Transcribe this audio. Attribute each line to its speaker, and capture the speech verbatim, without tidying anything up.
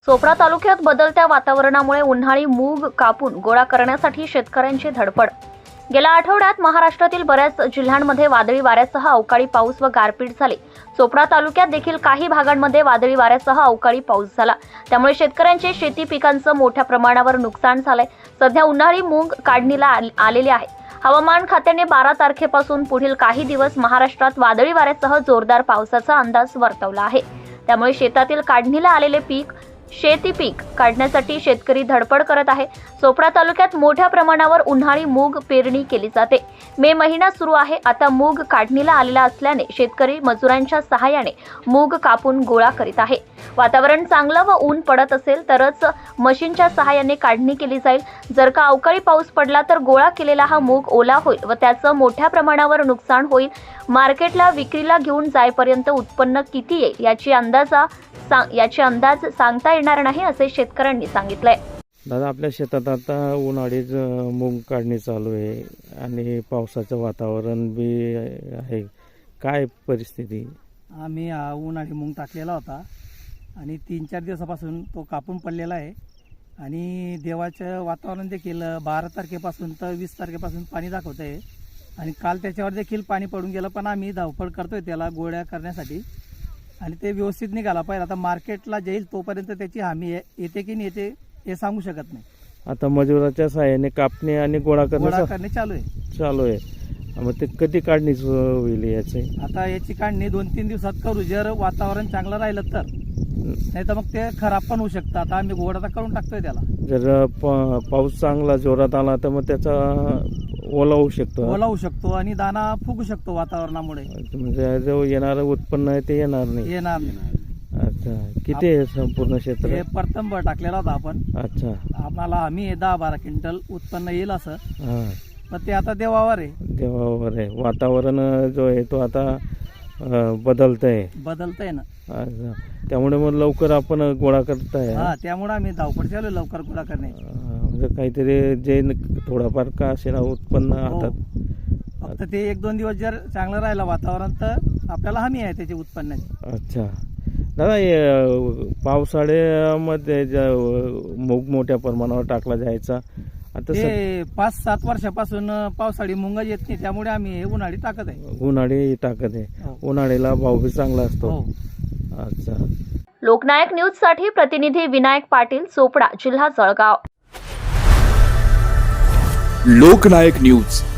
Speaker 1: चोपडा तालुक्यात बदलत्या वातावरणामुळे उन्हाळी मूग कापून गोळा करण्यासाठी शेतकऱ्यांची धडपड। गेल्या आठवड्यात महाराष्ट्रातील बऱ्याच जिल्ह्यांमध्ये वादळी वाऱ्यासह अवकाळी पाऊस व गारपीट झाली। चोपडा तालुक्यात देखील काही भागांमध्ये वादळी वाऱ्यासह अवकाळी पाऊस झाला, त्यामुळे शेतकऱ्यांचे शेती पिकांचं मोठ्या प्रमाणावर नुकसान झालंय। सध्या उन्हाळी मूग काढणीला आलेली आहे। हवामान खात्याने बारा तारखेपासून पुढील काही दिवस महाराष्ट्रात वादळी वाऱ्यासह जोरदार पावसाचा अंदाज वर्तवला आहे। त्यामुळे शेतातील काढणीला आलेले पीक शेती पीक काढण्यासाठी शेतकरी धडपड करत आहे। चोपडा तालुक्यात मोठ्या प्रमाणावर उन्हाळी मूग पेरणी केली जाते। मे महिना सुरू आहे। आता मूग काढणीला आलेला असल्याने शेतकरी मजुरांच्या सहाय्याने मूग कापून गोळा करीत आहे। वातावरण चांगलं व ऊन पडत असेल तरच मशीनच्या सहाय्याने काढणी केली जाईल। जर का अवकाळी पाऊस पडला तर गोळा केलेला हा मूग ओला होईल व त्याचं मोठ्या प्रमाणावर नुकसान होईल। मार्केटला विक्रीला घेऊन जाईपर्यंत उत्पन्न किती येईल याची अंदाजा याची अंदाज सांगता येणार नाही, असे शेतकऱ्यांनी सांगितलंय।
Speaker 2: दादा, आपल्या शेतात आता उन्हाळीच मूग काढणी चालू आहे आणि पावसाचं वातावरण बी आहे, काय परिस्थिती?
Speaker 3: आम्ही हा उन्हाळी मूग टाकलेला होता आणि तीन चार दिवसापासून तो कापून पडलेला आहे आणि देवाचं वातावरण देखील बारा तारखेपासून तर वीस तारखेपासून पाणी दाखवत आहे आणि काल त्याच्यावर देखील पाणी पडून गेलं, पण आम्ही धावपळ करतोय त्याला गोळ्या करण्यासाठी आणि ते व्यवस्थित निघाला पाहिजे। आता मार्केटला जाईल तोपर्यंत त्याची हमी येते की नाही येते हे सांगू शकत नाही।
Speaker 2: आता मजुराच्या सहाय्याने कापणी आणि गोळा
Speaker 3: गोळा करणे चालू आहे
Speaker 2: चालू आहे मग ते कधी काढणी होईल याचे?
Speaker 3: आता याची काढणी दोन तीन दिवसात करू, जर वातावरण चांगलं राहिलं तर, नाही तर मग ते खराब पण होऊ शकतं। आता आम्ही गोळा तर करून टाकतोय त्याला।
Speaker 2: जर पाऊस चांगला जोरात आला तर मग त्याचा ओला होऊ शकतो
Speaker 3: ओला होऊ शकतो आणि दाना फुगू शकतो वातावरणामुळे,
Speaker 2: म्हणजे जो येणारं उत्पन्न आहे ते येणार नाही
Speaker 3: येणार नाही।
Speaker 2: अच्छा, किती आहे संपूर्ण क्षेत्र?
Speaker 3: हे प्रथम टाकलेला होता आपण।
Speaker 2: अच्छा,
Speaker 3: आम्हाला आम्ही दहा बारा क्विंटल उत्पन्न येईल असं,
Speaker 2: हा,
Speaker 3: पण ते आता देवावर आहे
Speaker 2: देवावर आहे। वातावरण जो आहे तो आता बदलतंय
Speaker 3: बदलतंय ना,
Speaker 2: अच्छा, त्यामुळे मग लवकर आपण गोळा करताय।
Speaker 3: हा, त्यामुळे आम्ही धावपळ चालू आहे लवकर गोळा करण्याची।
Speaker 2: म्हणजे काहीतरी जे थोडाफार का असे ना उत्पन्न हातात,
Speaker 3: फक्त ते एक दोन दिवस जर चांगलं राहिलं वातावरण तर आपल्याला हमी आहे त्याची उत्पन्नाची।
Speaker 2: अच्छा दादा, पावसाळ्यामध्ये मूग मोठ्या प्रमाणावर टाकला जायचा, आता
Speaker 3: ते पाच सात वर्षापासून पावसाळी मूग येत नाही, त्यामुळे आम्ही हे उन्हाळी टाकत आहे।
Speaker 2: उन्हाळी टाकत आहे, उन्हाळीला भाव बी चांगला असतो। अच्छा,
Speaker 1: लोकनायक न्यूज साठी प्रतिनिधी विनायक पाटील, चोपडा, जिल्हा जळगाव।
Speaker 4: लोकनायक न्यूज